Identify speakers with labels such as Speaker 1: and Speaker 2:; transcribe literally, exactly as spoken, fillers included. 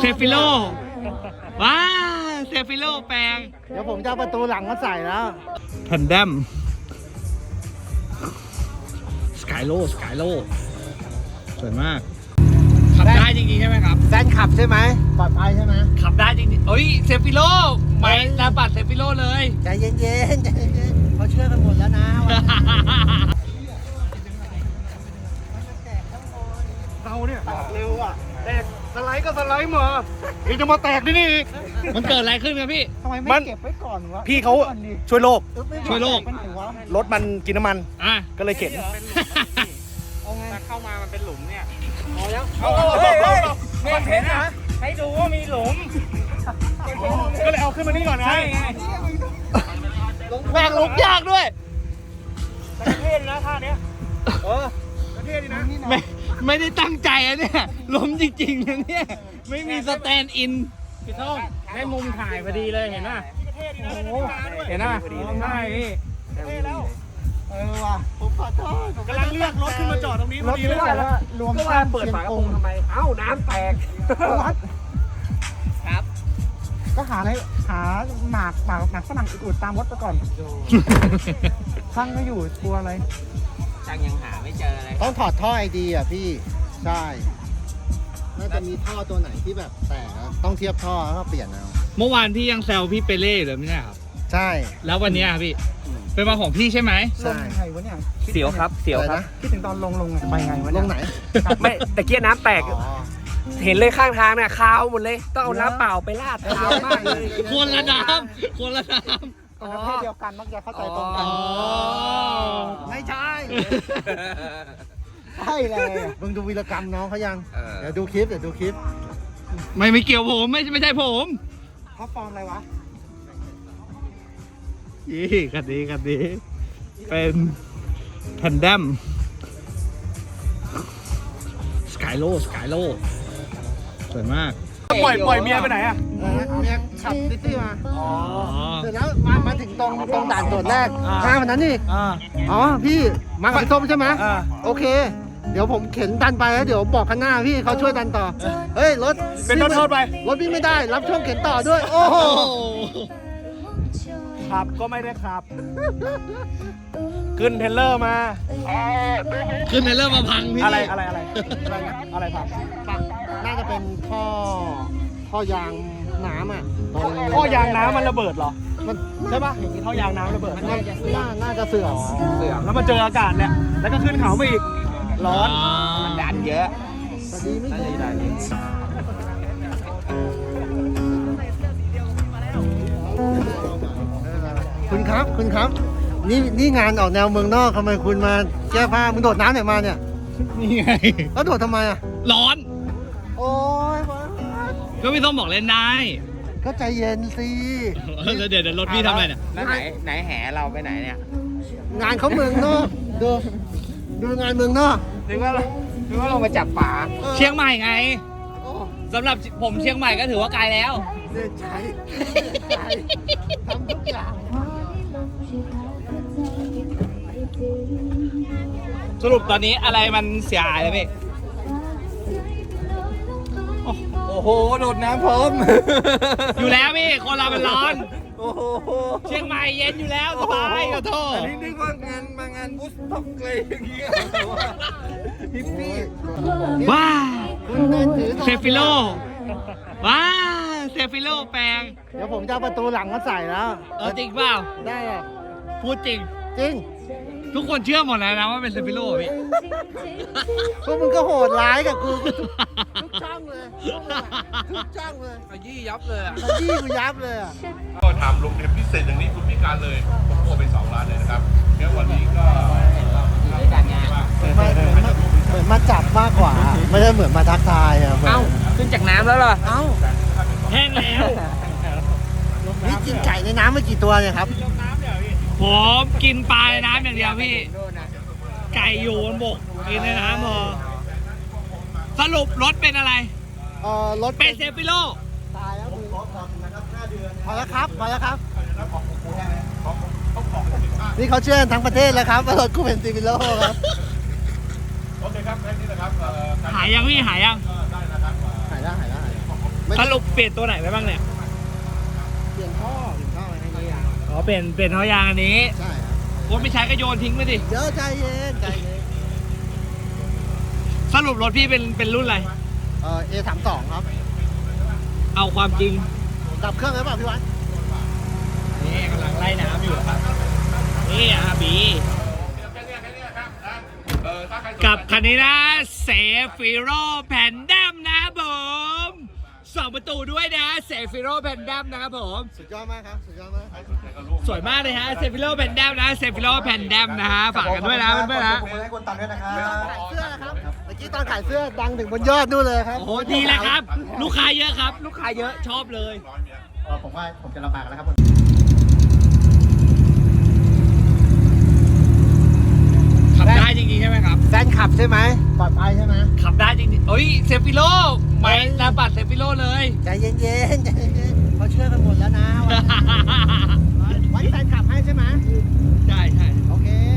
Speaker 1: เซฟิโลว้าเซฟิโลแปลง
Speaker 2: เดี๋ยวผมจะเอาประตูหลังมาใส่แล้ว
Speaker 1: แพนดัมสกายโลสกายโลสวยมากขับได้จริงๆใช่ไหมครับ
Speaker 2: แฟนขับใช่ไหมปลอดภัยใช่ไหม
Speaker 1: ขับได้จริงๆเอ้ยเซฟิโลไม่ระบัดเซฟิโลเลย
Speaker 2: ใจเย็นๆใจเย็นๆเขาเชื่อกันหมดแล้วนะเราเนี่ยเร็วอ่ะแตกสไลด์ก็สไลด์มาอีกจะมาแตกนี่นี่
Speaker 1: มันเกิดอะไรขึ้นครับพี่
Speaker 2: ทำไมไม่เก็บไว้ก่อนวะ
Speaker 3: พี่เขาช่วยโลก
Speaker 1: ช่วยโลก
Speaker 3: รถมันกินน้ำมัน
Speaker 1: อ่ะ
Speaker 3: ก็เลยเข็น
Speaker 2: เอาไงเข้ามามันเป็นหลุมเนี่ยพอแล้ว
Speaker 3: เอาเฮ้ยเฮ้ยเห็นนะให้ดูว่ามีหลุมก็เลยเอาขึ้นมานี่ก่อนไง
Speaker 1: แบกลุกยากด้วย
Speaker 3: ประเทศนะท่าเนี้ยเออประเทศนี่นะ
Speaker 1: ไม่ไม่ได้ตั้งใจอะเนี่ยล้มจริงๆนะเนี่ยไม่มีสแตนด์อิน
Speaker 3: พี่ท่องให้มุมถ่ายพอดีเลยเห็นป่ะโอ้โหเห็นป่ะใช่พี่
Speaker 2: เออว่ะผมขอโทษ
Speaker 3: กำลังเลือกรถขึ้นมาจอดตรงนี้พอดีเลย
Speaker 2: รวม
Speaker 3: ก็ว่าเปิดฝากระโปรงทำไมเอ้าน้ำแตก
Speaker 1: ครับ
Speaker 2: ก็หาอะไรหาหมากหมากหมากฝรั่งอุดตามรถไปก่อนช่างไม่อยู่กลัวอะไร
Speaker 1: ช่างยังหาไม่เจอเลย
Speaker 2: ต้องถอดท่อไอดีอ่ะพี่ใช่น่าจะมีท่อตัวไหนที่แบบแตกต้องเทียบท่อแล้วก็เปลี่ยนเอา
Speaker 1: เมื่อวานพี่ยังแซวพี่เปเล่เลยไม่ใช่ครับ
Speaker 2: ใช่
Speaker 1: แล้ววันนี้พี่เป็นวันของพี่ใช่ไหม
Speaker 2: ใช่ไงวะเนี่ย
Speaker 3: เสียวครับเสียวครับ
Speaker 2: คิดถึงตอนลงลงไปไงวะลงไหน
Speaker 3: ไม่แต่เกียร์น้ำแตกเห็นเลยข้างทางเนี่ยคาวหมดเลยต้องเอาน้ำเปล่าไปลาดคาวมากเลย
Speaker 1: คนละน้ำคนละน้
Speaker 2: ำประเภทเดียวกันมักจะเข้าใจตรงกันไม่ใช่ใช่เลยมึงดูวีรกรรมน้องเขายังเดี๋ยวดูคลิปเดี๋ยวดูคลิป
Speaker 1: ไม่ไม่เกี่ยวผมไม่ไม่ใช่ผม
Speaker 2: เขาฟอร์มอะไรวะ
Speaker 1: ยี่กันดีกันดีเป็นแพนดัมสกายโลสกายโลสวยมาก
Speaker 3: ปล่อยปล่อยเมียไปไหนอ่ะ
Speaker 2: เมียขับซิตี้มาอ๋อเสร็จแล้วมามาถึงตรงตรงด่านตรวจแรกห้าวันนั้นนี่อ๋อพี่มากับส้มใช่ไหมโอเคเดี๋ยวผมเข็นดันไปแล้วเดี๋ยวบอกข้างหน้าพี่เขาช่วยดันต่อเฮ้ยรถ
Speaker 3: เป็นรถโทษไป
Speaker 2: รถวิ่งไม่ได้รับช่วงเข็นต่อด้วยโอ้โห
Speaker 3: ขับก็ไม่ได้ขับขึ้นเทเลอร์มา
Speaker 1: ขึ้นเทเลอร์มาพังพี่
Speaker 3: อะไรอะไรอะไรอะไรอะไรพัง
Speaker 2: น่าจะเป็นท่อท่อยางน้ำอ่ะ
Speaker 3: ท่อยางน้ำมันระเบิดเหรอมันใช่ปะอย่างนี้ท่อยางน้ำระเบิด
Speaker 2: มันน่าน่าจะเสื่อม
Speaker 3: เสื่อมแล้วมาเจออากาศเนี่ยแล้วก็ขึ้นเขาไปอีกร้อน
Speaker 1: มันดันเยอะ
Speaker 2: แต่ดีไม่ดีคุณครับคุณครับนี่นี่งานออกแนวเมืองนอกทำไมคุณมาแก้ผ้ามึงโดดน้ำไหนมาเนี่ย
Speaker 1: นี่ไง
Speaker 2: แล้วโดดทำไมอ่ะ
Speaker 1: ร้อน
Speaker 2: โอ้ย
Speaker 1: ก็พี่ต้องบอกเล่นได้
Speaker 2: ก็ใจเย็นสิ
Speaker 1: แล้วเดี๋ยวรถพี่ทำอะไรเนี่ย
Speaker 3: แล้วไหนไหนแห่เราไปไหนเนี่ย
Speaker 2: งานเขาเมืองนอกดูดูงานเมืองนอก
Speaker 3: นึกว่านึกว่าลงมาจับป่า
Speaker 1: เชียงใหม่ไงสำหรับผมเชียงใหม่ก็ถือว่าไกลแล้ว
Speaker 2: เล่นใจทำทุกอย่าง
Speaker 1: สรุปตอนนี้อะไรมันเสียหายเลยพี่
Speaker 3: โอ้โหโดดน้ำพร้อม
Speaker 1: อยู่แล้วพี่คนเรามันร้อน
Speaker 3: โอ้โห
Speaker 1: เชียงใหม่เย็นอยู่แล้วสบายขอโทษ
Speaker 3: อันนี้นึกว่างานมางานบุสต็อกเลยอย่างเงี้ยฮิปปี้
Speaker 1: ว้าเซฟิโลว้าเซฟิโลแปลง
Speaker 2: เดี๋ยวผมจะเอาประตูหลังมาใส่แล้ว
Speaker 1: เออจริงเปล่า
Speaker 2: ได้อ่ะ
Speaker 1: พูดจริง
Speaker 2: จริง
Speaker 1: ทุกคนเชื่อหมดแล้วนะว่าเป็นเซฟิโลพี่
Speaker 2: พวกมึงก็โหดร้ายกับกูทุกช่างเลยทุกช่างเลย
Speaker 3: ขยี้ยับเลย
Speaker 2: ขยี้กูยับเลยอ่ะ
Speaker 4: ก็ทำโรงเรียนพิเศษอย่างนี้คุณพิการเลยผมโอนไปสองล้านเลยนะครับแล้ววันนี้ก็
Speaker 1: การงาน
Speaker 2: เหมือนมาจับมากกว่าไม่ได้เหมือนมาทักทายอ่ะ
Speaker 1: เอ้าขึ้นจากน้ำแล้วเหรอ
Speaker 2: เอ้า
Speaker 1: แห้งแล้ว
Speaker 2: นี่กินไก่ในน้ำไม่กี่ตัวเนี่ยครับ
Speaker 1: ผมกินปลาในน้ำอย่างเดียวพี่ไก่อยู่บนบกกินในน้ำพอสรุปรถเป็นอะไร
Speaker 2: เออรถ
Speaker 1: เป็นเซฟิโล
Speaker 2: ตายแล้วพอแล้วครับพอแล้วครับนี่เขาเชื่อทั้งประเทศแล้วครับว่ารถกูเป็นเซฟิโลครับ
Speaker 4: โอเคครับแค่นี้นะครับ
Speaker 1: หายยังพี่หายยัง
Speaker 2: ได้นะครับหายแล้วหายแล้วหายแล้ว
Speaker 1: สรุปเปลี่ยนตัวไหนไปบ้างเนี่ย
Speaker 2: เปลี่ยนท่อเปลี่ยนท่ออะไรให้ยาง
Speaker 1: อ๋อเปลี่ยนเปลี่ยนท่อยางอันนี้
Speaker 2: ใช่ครับ
Speaker 1: โค้ดไม่ใช้ก็โยนทิ้งไปดิ
Speaker 2: เดี๋ยวใจเย็นใจเย็น
Speaker 1: สรุปรถพี่เป็นเป็นรุ่นอะไร
Speaker 2: เออ เอ สามสองครับ
Speaker 1: เอาความจริง
Speaker 2: ดับเครื่องหรือเปล่าพี่วัด
Speaker 1: นี่กำลังไล่น้ำอยู่ครับนี่อาบี
Speaker 4: เออถ้าใครสนใจ
Speaker 1: กับคันนี้นะเซฟิโรแผ่นดำนะครับผมสองประตูด้วยนะเซฟิโรแผ่นดำนะครับผม
Speaker 2: สุดยอดมากครับ สุดยอดมาก
Speaker 4: ใครสนใจก็ร่วม
Speaker 1: สวยมากเลยฮะเซฟิโรแผ่นดำนะเซฟิโรแผ่นดำนะฮะฝากกันด้วยนะเพื่อนๆนะ
Speaker 2: ขอบคุณให้คนตัดด้วยนะครับขายเสื้อนะครับ เมื่อกี้ตอนขายเสื้อดังถึงบนยอดนู่นเลยครับ
Speaker 1: โอ้โหดีเลยครับ ลูกค้าเยอะครับ ลูกค้าเยอะชอบเลย
Speaker 2: เออผมว่าผมจะลำบากแล้วครับ
Speaker 1: ขับได้จริงๆใช่ไหมครับ
Speaker 2: แฟนขับใช่ไหมปลอดภัยใช่ไหม
Speaker 1: ขับได้จริงๆเอ้ยเซฟิโลไม่ระบัดเซฟิโลเลย
Speaker 2: ใจเย็นๆใจเย็นๆเขาเชื่อกันหมดแล้วนะว่าไว้แฟนขับให้ใช่ไหม
Speaker 1: ใช่ใช่
Speaker 2: โอเค